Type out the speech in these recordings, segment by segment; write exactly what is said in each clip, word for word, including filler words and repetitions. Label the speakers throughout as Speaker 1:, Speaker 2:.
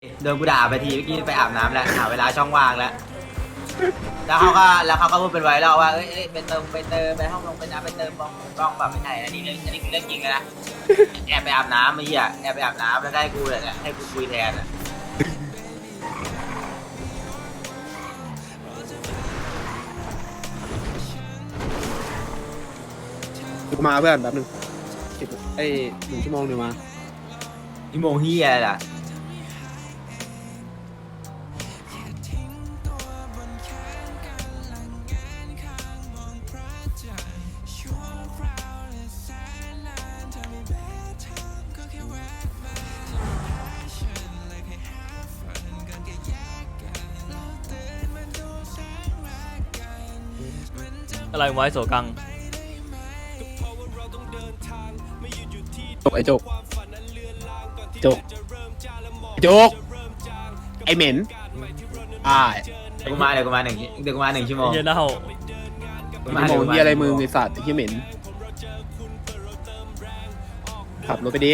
Speaker 1: โดนกูด่าไปทีเมื่อกี้ไปอาบน้ำแล้วหาเวลาช่องว่างแล้วแล้วเขาก็แล้วเขาก็พูดเป็นไวรัลว่าเอ้ยเอ้ยไปเติมไปเติมไปห้องลงไปน้ำไปเติมกล้องกล้องแบบไม่ใช่อันนี้เรื่องอันนี้คือเรื่องจริงเลยนะแอบไปอาบน้ำไอ้เหี้ยแอบไปอาบน้ำแล้วได้กูเลยเนี่ยให้กูคุยแทนอ่ะ
Speaker 2: กูมาเพื่อนแป๊บนึงสิบไอ้หนึ่งชั่วโมงเดี๋ยวมา
Speaker 1: นี่โมงเหี้ยอะไรล่ะ
Speaker 3: อะไรไว้โสกัง
Speaker 2: จกไอ้จกจกจกไอ้เหม็นอ่า
Speaker 1: เดี๋ยวกูมาเดี๋ยวกูมาหนึ่งเดี๋ยวกูมาหนึ่งชั่วโมง
Speaker 3: เฮียเน่า
Speaker 2: ชั่วโมงที่อะไรมึงไอ้สัตว์ไอ้เหี้ยเหม็นขับรถไปดิ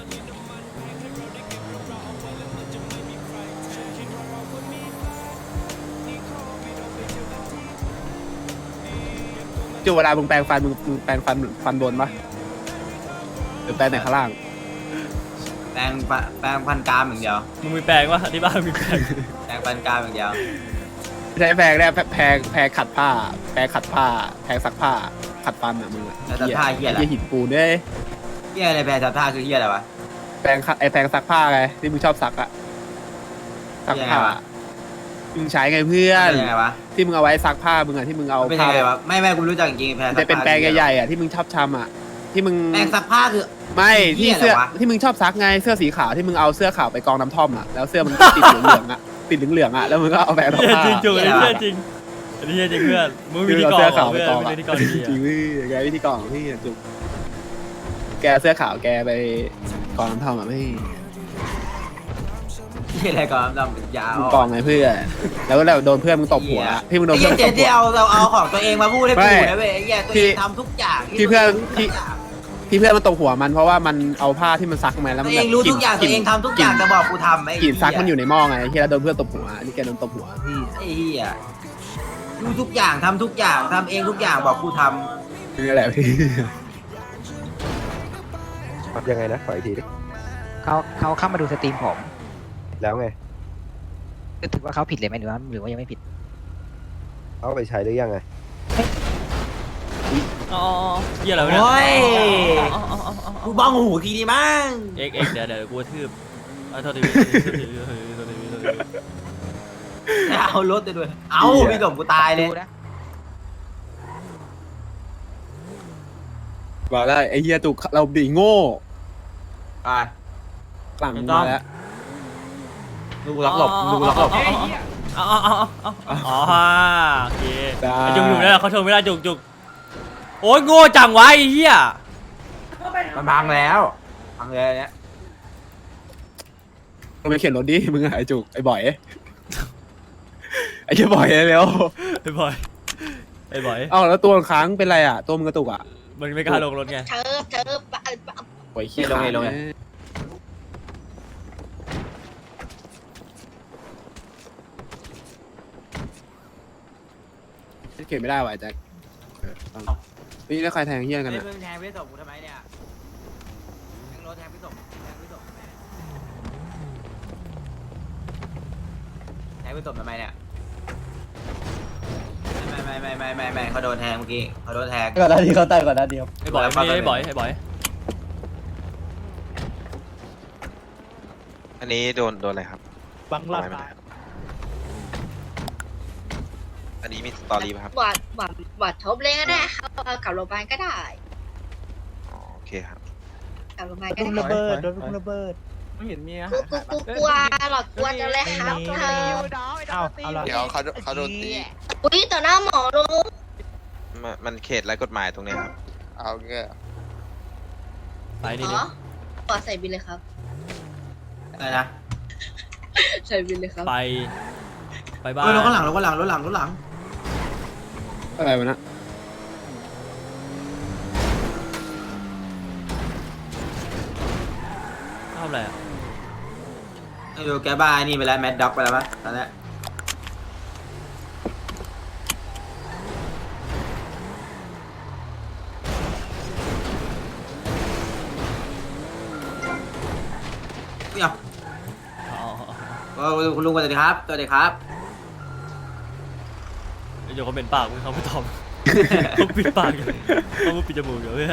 Speaker 2: จุเวลามึงแปรงฟันมึงมึงแปรงฟันฟันบนปะหรือแปรงแต่ข้างล่าง
Speaker 1: แปรงปะแปรงพันกรามอย่างเดียว
Speaker 3: มึงมีแปลงวะที่บ้านมีแปลง
Speaker 1: แปรงพันกรามอย่างเดียว
Speaker 2: ใช้แปรงได้แปรงแปรงขัดผ้า แปรงขัดผ้าแปรงซักผ้าขัดฟันอ่ะมึงอะ
Speaker 1: แล้วแต่ท่าเหี้ยอะไร
Speaker 2: ไอ้หินปูนเด้ย
Speaker 1: เหี้ยอะไรแปรงจับท่าคือเหี้ยอะไรวะ
Speaker 2: แปรงขัดไอ้แปรงซักผ้าไงที่มึงชอบซักอะซักผ้า
Speaker 1: ยังไงวะ
Speaker 2: มึงใช้ไงเพื่อน
Speaker 1: เป็นยังไงวะ
Speaker 2: ที่มึงเอาไว้ซักผ้ามึงอะที่มึงเอา
Speaker 1: เป็นยั
Speaker 2: ผ้าง
Speaker 1: ไงวะไม่ไม่กูรู้จักจริงๆแพร
Speaker 2: มันจะเป็นแปรงใหญ่ๆอะที่มึงชอบทำอะที่มึง
Speaker 1: แปรงซักผ้าคือ
Speaker 2: ไม่ที่เสื้อ
Speaker 1: เหี้ยอะไรวะ
Speaker 2: ที่มึงชอบซักไงเสื้อสีขาวที่มึงเอาเสื้อขาวไปกองน้ำท่อมอะแล้วเสื้อมันติดเหลืองๆอะติดเหลืองๆอะแล้วมึงก็เอาแปรงซัก
Speaker 3: เฮีย
Speaker 2: ผ้า
Speaker 3: จริงจุงอันนี้เฮียจริงอันนี้เฮียจริงเพื่อนมึงวิธีกร
Speaker 2: เสื้อ
Speaker 3: เหร
Speaker 2: ขา
Speaker 3: อ
Speaker 2: วไป
Speaker 3: เพื่อน
Speaker 2: กอง
Speaker 3: มึง
Speaker 2: อะ
Speaker 3: วิธีกร
Speaker 2: จ
Speaker 3: ดี
Speaker 2: ริง
Speaker 3: อะ
Speaker 2: ๆเว้ยแกวิธีกรของพี่อะจุกแกเสื้อขาวแกไปกองน้ำท่อมอะไม่
Speaker 1: เหี้ยอะไรก่อนดำเป็นยาว
Speaker 2: มึงกองไงเพื่อนแล้วแล้วโดนเพื่อนมึงตบหัวที่มึงโดน
Speaker 1: ไอ้
Speaker 2: เพื่
Speaker 1: เหี้
Speaker 2: อย นมึงตบหัว
Speaker 1: เจ๊เดียวเราเอาของตัวเองมาพูดให้
Speaker 2: ไม่
Speaker 1: กูนะเว้ยไอ้เหี้ยตัวเองทำทุกอย่าง
Speaker 2: ที่เพื่อน
Speaker 1: ทุก
Speaker 2: ที่
Speaker 1: อย่าง
Speaker 2: ที่เพื่อนมันตบหัวมันเพราะว่ามันเอาผ้าที่มันซักมาแล้ว
Speaker 1: ตั
Speaker 2: มั
Speaker 1: วน เองรู้ทุกอย่างตัวเองทำทุกอย่างแต่บอกกูทำไอ้
Speaker 2: กลิ่นซักมันอยู่ในหม้อไงที่แล้วโดนเพื่อนตบหัวนี่แกโดนตบหัวพี่
Speaker 1: ไอ้เหี้ยรู้ทุกอย่างทำทุกอย่างทำเองทุกอย่างบอกกูท
Speaker 2: นี่แหละพี่
Speaker 4: ครับยังไงนะขออีกทีดิ
Speaker 5: เขาเขาเข้ามาดูสตรีมผม
Speaker 4: แล้วไง
Speaker 5: ก็ถือว่าเขาผิดเลยไหมหรือว่าหรือว่ายังไม่ผิด
Speaker 4: เอาไปใช้หรือยังไง
Speaker 3: อ๋อเฮียอะไร
Speaker 1: ำ
Speaker 3: วะเนี่ย
Speaker 1: โอ้ย
Speaker 3: อ๋ออ๋ออ๋ออ๋อ
Speaker 1: กูบ้องหูทีนี้มั้ง
Speaker 3: เอ็กเอ็กเดี๋ยวเดี๋ยวกูกระทืบเอาโทษทีโทษทีโทษทีโทษทีโทษทีโทษที
Speaker 1: เอารถไปด้วยเอาพี่สมกูตายเลย
Speaker 5: ดูนะ
Speaker 2: บอกได้ไอ้เฮียตุกเราบีโง่
Speaker 1: ไป
Speaker 2: หลังมาแล้ว
Speaker 1: ดูล็อกหลบดูล็อกหลบ
Speaker 3: อ๋ออ๋ออ๋ออ๋ออ๋อโอเคไอ้จุกอยู่นั่นแหละเขาชมไม่ได้จุกจุกโอ้ยโง่จังวะไอ้เหี้ย
Speaker 1: มันพังแล้วพังเลยเนี่ย
Speaker 2: มึงไปเข็นรถดิมึงอะไอ้จุกไอ้บ่อยไอ้เหี้ยบ่อยเร็ว
Speaker 3: ไอ้บอยไอ้บอย
Speaker 2: เอ้าแล้วตัวมันค้างเป็นไรอะตัวมึงกระตุกอะ
Speaker 3: มันไม่กล้าลงรถไง
Speaker 6: เธอเธอปะปะ
Speaker 2: โอ้ยเขี้ย
Speaker 1: ลงเลยลงเลย
Speaker 2: เข็นไม่ได้ว่ะไอ้แจ็คเออเอานี่แล้วใครแทงเฮียกัน
Speaker 1: เฮ้ย
Speaker 2: อะ
Speaker 1: มึงแทงพี่สมกูทำไมเนี่ยแทงรถแทงพี่สมแทงพี่สมทำไมแทงพี่สมทำไมเนี่ยไม่ไม่ไม่ไม่ไม่ไม่เขาโดนแทงเมื่อกี้เขาโดนแทง
Speaker 7: ก่อนหน้านี้เขาตั้งก่อนหน้านี้ครับ
Speaker 3: ไอ้บอยไม่ไอ้บอยไอ้บอย
Speaker 8: อันนี้โดนโดนอะไรครับ
Speaker 7: บังลัด
Speaker 8: ไม่เป็นไรครับอันนี้มีสตอรี่ป่ะครับ
Speaker 6: หวาดหวาดหวาดทบเลยก็ได้ครับเอากลับโรงพยาบาลก็ได้
Speaker 8: อ๋อโอเคครับ
Speaker 6: กลับโรงพยาบาลก็
Speaker 7: โดน
Speaker 6: ได้
Speaker 7: ระเบิดโดนระเบิด
Speaker 2: ไม่เห็นมีอะ
Speaker 6: กูกูกูกลัวหลอดกลัวจังเลยครับเธอ
Speaker 7: เอาเอาละ
Speaker 8: เดี๋ยวเขาเขาโดนตี
Speaker 6: อุ้ยต่อหน้าหมอลุง
Speaker 8: มันมันเขตไร้กฎหมายตรงเนี้ยครับ เอาแค่
Speaker 3: ไปนี่
Speaker 6: อ๋
Speaker 3: นี่
Speaker 6: อปอดใส่บินเลยครับ
Speaker 1: อะไรนะ
Speaker 6: ใส่บินเลยครับ
Speaker 3: ไปไปบ้า
Speaker 1: เฮ้ย
Speaker 3: น
Speaker 1: รถข้างหลังรถข้างหลังรถหลังรถหลัง
Speaker 2: อะไรวะนะ
Speaker 3: ทำอะไรอ่ะ
Speaker 1: ไอ้ดูแกบ้านี่ไปแล้วแมดด็อกไปแล้วมั้งตอนนี้เดี๋ยว
Speaker 3: อ๋อ
Speaker 1: โอ้คุณลุงสวัสดีครับสวัสดีครับ
Speaker 3: เดี๋ยวเขาเป็นปากมึงเขาไม่ตอบเขาปิดปากอยู่เขาปิดจมูกอยู่เพื่อน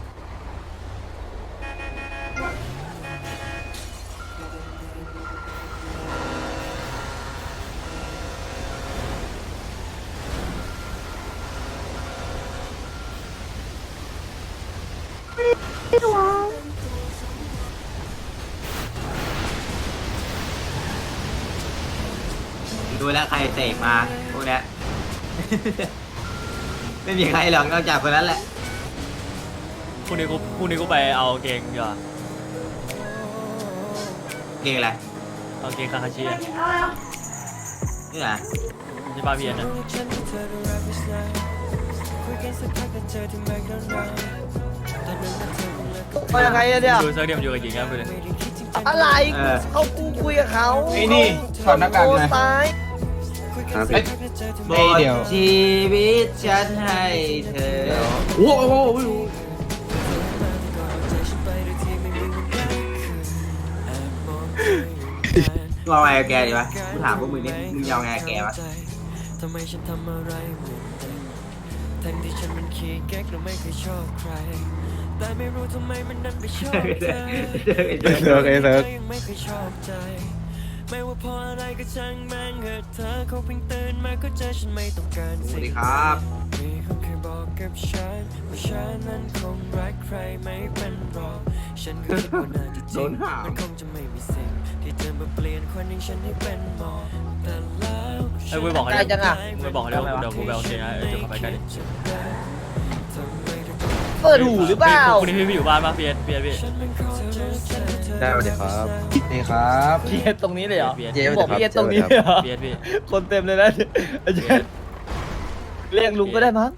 Speaker 1: ดูแล้วใครเสกมาพวกเนี้ย ไม่มีใครหรอกนอกจากคนนั้นแหละ
Speaker 3: พรุ่งนี้กูพรุ่งนี้กูไปเอาเกงดีกว่า
Speaker 1: เก่งอะไร
Speaker 3: เอาเกงคาคาชิอะ
Speaker 1: นี่นะ
Speaker 3: ที่บ้านพี่เอ็นนะ
Speaker 7: เอายังไงอะเนี่ย
Speaker 3: ดูเซิร์ฟเดียมนอยู่กับหญิงครับคุณเลย
Speaker 7: อะไร
Speaker 1: เออ
Speaker 7: เขากูคุยกับเขา
Speaker 2: ไอ้นี่ถอดหน้ากากเลย
Speaker 7: ตาย
Speaker 2: เอ้ย
Speaker 1: หม
Speaker 2: เอ้ย
Speaker 1: ด
Speaker 2: เดี๋ยว
Speaker 1: ชีวิตฉันให้เธอ
Speaker 2: โอ้โหไม่รู้
Speaker 1: มึงเอาไงกับแกดีวะกูถามพวกมึงนี่มึงจะเอาไงกับแกวะ
Speaker 9: ทำไมฉันทำอะไรเหมือนเดิมทั้งที่ฉันมันขี้เก๊กและไม่เคยชอบใคร แต่ไม่รู้ทำไมมันดันไปชอบเธอ
Speaker 2: เซิร์กไอ้เซิร์ก
Speaker 9: ยังไม่เคยชอบใจ ไม่ว่าเพราะอะไรก็ช่างแม่งเหอะเธอเขาเพิ่งตื่นมาก็เจอฉันไม่ต้องการ
Speaker 1: สวั
Speaker 9: สิ่
Speaker 1: ส
Speaker 9: ง
Speaker 1: ดีครับ
Speaker 9: มีคนเคยบอกกับฉันว่าฉันนั้นคงรักใครไม่เป็นหรอกฉันก็คิดว่าน่าจะจ
Speaker 1: โด
Speaker 9: ริง
Speaker 1: นหาม
Speaker 9: มันคงจะไม่มีสิ่งที่เธอมาเปลี่ยนคนอย่างฉันให้เป็นหมอแต่แล้ว
Speaker 3: ไอ้กูไปบอกเขา
Speaker 7: ใกล้จังอะ
Speaker 3: กูไปบอกเขาเดี๋ยวเดี๋ยวกูไปเอาเกงนะเออเดี๋ยวเขาไปกันดิ
Speaker 7: เปิดหูหรือเปล่า
Speaker 3: พรุ่งนี้พี่พี่อยู่บ้านป่ะพี่เอ็นพี่เอ็นพี่
Speaker 4: ได้สวัสดีครับ
Speaker 2: นี่ครับ
Speaker 7: พี่เอ็ดตรงนี้เลยเหรอ
Speaker 3: พี่เอ็น
Speaker 4: เจ๊
Speaker 7: บอกพี่เอ็ดตรงนี้เลยเหรอ
Speaker 3: พี่เอ็นพี่
Speaker 7: คนเต็มเลยนะอาจารย์เรียกลุงก็ได้มั้ง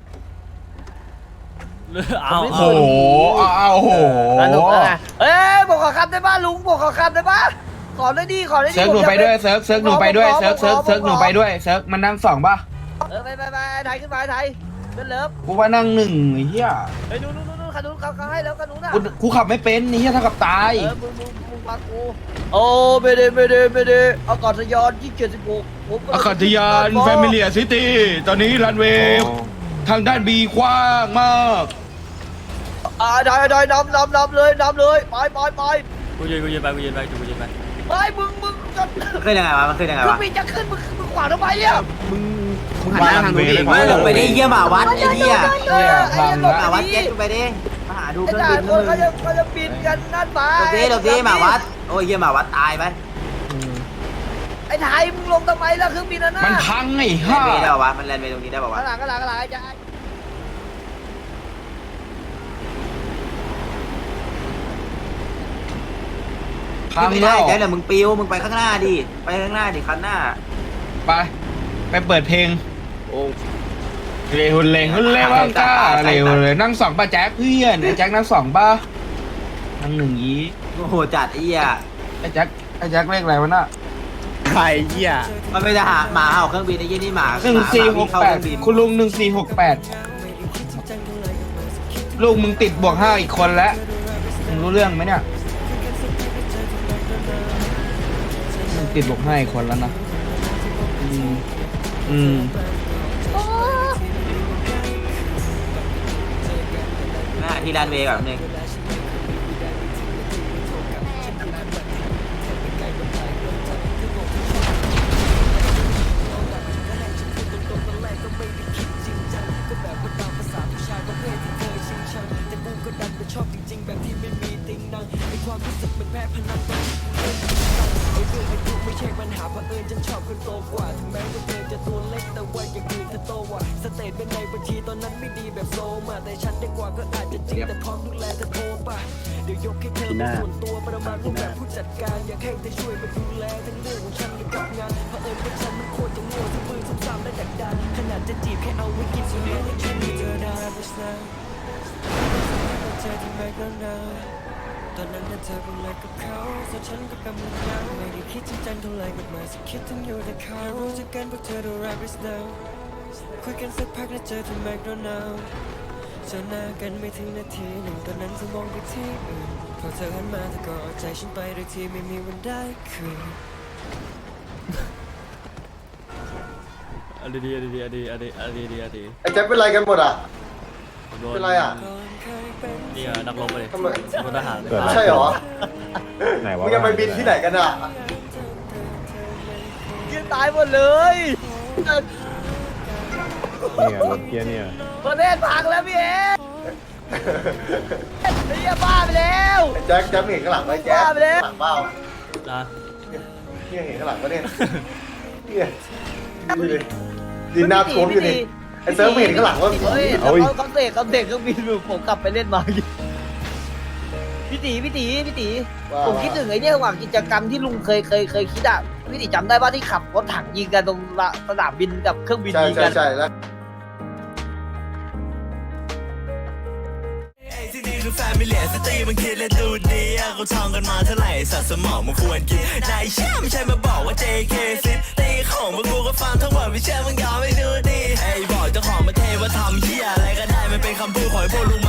Speaker 3: เอา
Speaker 2: โอ้โห
Speaker 3: เอา
Speaker 2: เอาโอ้โห
Speaker 7: สนุกแล้วไงเอ้ยบอกขอคำได้ป่ะลุงบอกขอคำได้ป่ะขอได้ดีขอได้ดี
Speaker 2: เซิร์กหนูไปด้วยเซิร์กเซิร์กหนูไปด้วยเซิร์กเซิร์กเซิร์กหนูไปด้วยเซิร์กมันนั่งสองป่ะ
Speaker 7: เออไปไปไปไทยขึ้นมาไทยเดินเลิฟ
Speaker 2: กูว่านั่งหนึ่งไอ้เหี้ย
Speaker 7: เฮ้ยนู่นนู่นนู่นขนุนเขาเขาให้แล้วขนุนอ่ะ
Speaker 2: กูกูขับไม่เป็นไอ้เหี้ยเท่ากับตาย
Speaker 7: เออมึงมึงมึงฟังกูโอ้ไม่ได้ไม่ได้ไม่ได้อากาศยานที่เจ็ดสิบหกผมำลัง
Speaker 2: อากาศยานแฟมิเลียซิตี้ตอนนี้รันเวย์ทางด้านบีกว้างมาก
Speaker 7: อ่าได้ได้นำนำนำเลยนำเลยไปไปไป
Speaker 3: กูยืนกูยืนไปกูยืนไปกูยืนไป
Speaker 7: ไปมึงมึงจะ
Speaker 1: มันขึ้นยังไงวะมันขึ้นยังไง
Speaker 7: เครื่อ
Speaker 1: วะ
Speaker 7: งบินจะขึ้นมึงมึงขวางทำไมเนี่ย
Speaker 2: มึงมึงหันหน้าทางนู้นดิ
Speaker 1: ไม่ลงไปดิเยี่ยหมาวัดไอ้เหี้ย
Speaker 7: เออไอ้เหี้ย
Speaker 1: หมาวัดเจ็ตลงไปดิมาหาดูเค
Speaker 7: ไอ้
Speaker 1: รื่อง
Speaker 7: จ่า
Speaker 1: บิน
Speaker 7: คนเขาจะเขาจะบินกันนั่นมา
Speaker 1: หลบดิหลบดิหมาวัดโอ้ยเยี่ยหมาวัดตายไป
Speaker 7: ไอ้ไทยมึงลงทำไมล่ะเครื่องบินนั่นน่ะ
Speaker 2: มันพังไอ้
Speaker 1: แล
Speaker 2: ห่าน
Speaker 1: ด์เวย์ได้ป่าวะมันแลนด์เวย์ตรงนี้ได้ป่าวะ
Speaker 7: ข้างหลังข้างหลังข้างหลังไอ้จ่า
Speaker 2: พัง
Speaker 1: ไม่
Speaker 2: แล้
Speaker 1: ได้
Speaker 2: ว
Speaker 1: แจ๊คเดี๋ยวมึงปิวมึงไปข้างหน้าดิไปข้างหน้าดิคันหน้า
Speaker 2: ไปไปเปิดเพลงเร็วเร็วเร็วก้าเร็วเลยนั่งสองป่ะแจ็คเพื่อนไอ้แจ็คนั่งสองป่ะนั่งหนึ่งยี้
Speaker 1: โอ้โหจัดไอ้เหี้ย
Speaker 2: ไอ้แจ็คไอ้แจ็คเลขอะไรวะน่ะ
Speaker 7: ใครเหี้ย
Speaker 1: มันไม่ได้หาหมาเห่าเครื่องบินไอ้ยี่นี่หมา
Speaker 2: หนึ่งสี่หก
Speaker 1: เข้า
Speaker 2: แป
Speaker 1: เค
Speaker 2: ด
Speaker 1: รื่องบิน
Speaker 2: คุณลุงหนึ่งสี่หกแปดลูกมึงติดบวกห้าอีกคนแล้วมึงรู้เรื่องไหมเนี่ยมึงติดบวกห้าอีกคนแล้วนะอืมอืม
Speaker 1: หน้าที่แลนด์เวย์ก่อนนึง
Speaker 9: ไม่ใช่ปัญหาเผอิญฉันชอบคนโตกว่าถึงแม้ว่าเธอจะตัวเล็กแต่ว่าอย่างอื่นเธอโตกว่าสเตตเป็นในบัญชีตอนนั้นไม่ดีแบบโซมาแต่ฉันได้กว่าก็อาจจะจริงแต่พร้อมดูแลเธอโทรป่ะเดี๋ยวยกให้เธอเป็นส่วนตัวประมาณรูปแบบผู้จัดการอยากให้เธอช่วยมาดูแลทั้งเรื่องของฉันกับงานเผอิญว่าฉันมันโคตรจะโง่ทั้งมือซ้ำๆและดักดานขนาดจะจีบแค่เอาไว้กินสุดเลี้ยงฉันมีเธอได้ไม่ใช่เธอที่ไม่ก็นานตอนนั้นน่ะเธอเป็นอะไรกับเขาส่วนฉันก็กำลังเหงาไม่ได้คิดจริงจังเท่าไรกับมาสักคิดถึงอยู่แต่เขารู้จักกันพวกเธอดูแรปสเนลคุยกันสักพักแล้วเจอที่แมคโดนัลด์เจอหน้ากันไม่ถึงนาทีหนึ่งตอนนั้นเธอมองไปที่อื่นพอเธอหันมาเธอก็เอาใจฉันไปโดยที่ไม่มีวันได้คืน
Speaker 3: อันดีอันดีอันดีอันดีอันดีอันดีอันดี
Speaker 10: ไอ้แจ็คเป็นไรกันหมดอ่ะ
Speaker 3: โด
Speaker 10: เป็นไรอ่ะ
Speaker 3: นี่อะนักรบเลย
Speaker 10: ทำไม
Speaker 3: พลทหาร
Speaker 10: ใช่เหรอ
Speaker 4: ไหนวะ
Speaker 10: มึงจะไปบินที่ไหนกันอ่ะ
Speaker 7: ยืนตายหมดเลย
Speaker 4: เนี่ยรถเกียร์เนี่ย
Speaker 7: ประเทศพังแล้วพี่เอ๋ไอ้เหี้ยบ้าไปแล้ว
Speaker 10: ไอ้แจ็คแจ็คเห็นข้างหลังไหมแจ็ค
Speaker 7: บ้าไปแล้ว
Speaker 10: ข้างหลังเปล่า
Speaker 3: นะ
Speaker 10: เนี่ยเห็นข้างหลังปะเนี่ยเนี่ยดูดิดินน้ำท่วมอยู่นี่ไอ้เซิร์ฟไม่เห็นข้างหลังว่า
Speaker 7: เฮ้ยแล้วเขาเขาเตะเขาเตะเครื่องบินอยู่ผมกลับไปเล่นมาพี่ตีพี่ตีพี่ตีผมคิดถึงไอ้เนี่ยว่ากิจกรรมที่ลุงเคยเคยเคยคิดอ่ะพี่ตีจำได้ป่ะที่ขับรถถังยิงกันตรงสนามบินกับเครื่องบิน
Speaker 10: ใช่
Speaker 7: ยิง
Speaker 10: ใช่
Speaker 7: กัน
Speaker 10: ใช่แล้ว
Speaker 9: ที่นี่คือแฟมิเลียสตรีมันคิดและดูดีอะเขาท่องกันมาเท่าไหร่สัตว์สมองมันควรกินนายเชื่อไม่ใช่มาบอกว่า เจ เค ซิตีของมึงกูก็ฟังทั้งหมดไม่เชื่อมึงยอมไม่ดูดีไอ้บอกเจ้าของประเทศว่าทำเหี้ยอะไรก็ได้มันเป็นคำพูดของไอ้พวกลุง